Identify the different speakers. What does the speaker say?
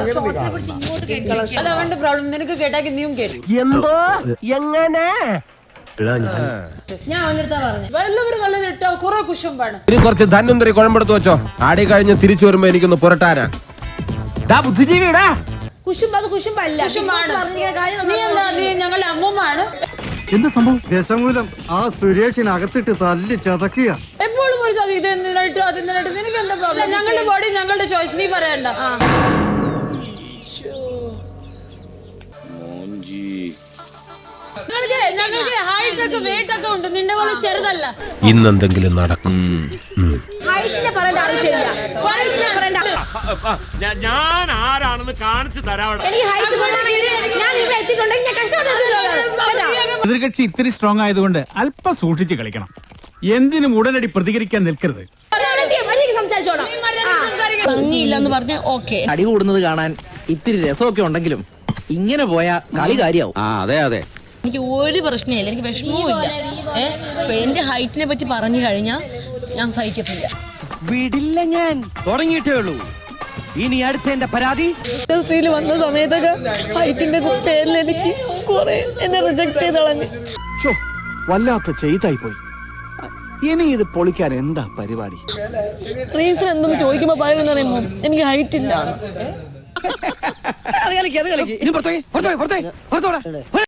Speaker 1: അതവന്റെ problem. നിനക്ക് കേട്ടാക്കി നീയും കേട്ടു.
Speaker 2: എന്തോ എങ്ങനെ
Speaker 3: ഞാൻ അവന്റെ
Speaker 1: വല്ലവരും വല്ലതും ഇട്ടോ കുറെ കുശുമ്പാണ്.
Speaker 2: ഇനി കുറച്ച് ധന്വന്തരി കുഴമ്പെടുത്ത് വെച്ചോ. ആടി കഴിഞ്ഞ് തിരിച്ചു വരുമ്പോ എനിക്കൊന്ന് പുരട്ടാനാ. ബുദ്ധിജീവിടാ
Speaker 3: കുശുമ്പല്ല.
Speaker 1: നീ ഞങ്ങളുടെ അമ്മൂമ്മയാണ്.
Speaker 4: എന്ത് സംഭവം? ദശമൂലം ആ സുരേഷിനകത്തിട്ട് തല്ലി ചതക്കുക.
Speaker 1: എപ്പോഴും ഒരു ചതി. ഇത് എന്തിനായിട്ട് അതെന്തിനായിട്ട് നിനക്ക് എന്താ പ്രോബ്ലം? ഞങ്ങളുടെ ബോഡി ഞങ്ങളുടെ ചോയ്സ്. നീ പറയണ്ട. ഞങ്ങൾക്ക് ഹൈറ്റ് ഒക്കെ വെയിറ്റ് ഒക്കെ ഉണ്ട്. നിന്റെ പോലെ ചെറുതല്ല.
Speaker 2: ഇന്നെന്തെങ്കിലും നടക്കും.
Speaker 5: ഞാൻ ആരാണെന്ന് കാണിച്ചു തരാം.
Speaker 6: എതിർകക്ഷി ഇത്തിരി സ്ട്രോങ് ആയതുകൊണ്ട് അല്പം സൂക്ഷിച്ച് കളിക്കണം. എന്തിനും ഉടനടി പ്രതികരിക്കാൻ നിൽക്കരുത്.
Speaker 3: ഭംഗിയില്ലെന്ന് പറഞ്ഞ ഓക്കെ.
Speaker 7: അടി കൂടുന്നത് കാണാൻ ഇത്തിരി രസമൊക്കെ ഉണ്ടെങ്കിലും ഇങ്ങനെ പോയാ കളി കാര്യാവും.
Speaker 2: അതെ അതെ.
Speaker 3: എനിക്ക് ഒരു പ്രശ്നമില്ല, എനിക്ക് വിഷമവുമില്ല. എന്റെ ഹൈറ്റിനെ പറ്റി പറഞ്ഞു കഴിഞ്ഞാൽ ഞാൻ സഹിക്കത്തില്ല.
Speaker 7: വിടില്ല, ഞാൻ തുടങ്ങിയിട്ടേ ഉള്ളൂ. ഇനി അടുത്ത എന്റെ പരാതി
Speaker 1: ഇൻഡസ്ട്രിയിൽ വന്ന സമയത്തൊക്കെ ഹൈറ്റിന്റെ പേരിൽ എനിക്ക് കുറെ എന്നെ റിജക്ട് ചെയ്ത് കളഞ്ഞു.
Speaker 4: വല്ലാത്ത ചെയ്തായി പോയി. ഇനി ഇത് പൊളിക്കാൻ എന്താ പരിപാടി?
Speaker 1: റീസൺ എന്തെന്ന് ചോദിക്കുമ്പോ പറയുന്നറിയുമ്പോ എനിക്ക് ഹൈറ്റ് ഇല്ല.
Speaker 7: അത് കളിക്ക്. ഇനി പുറത്തോടെ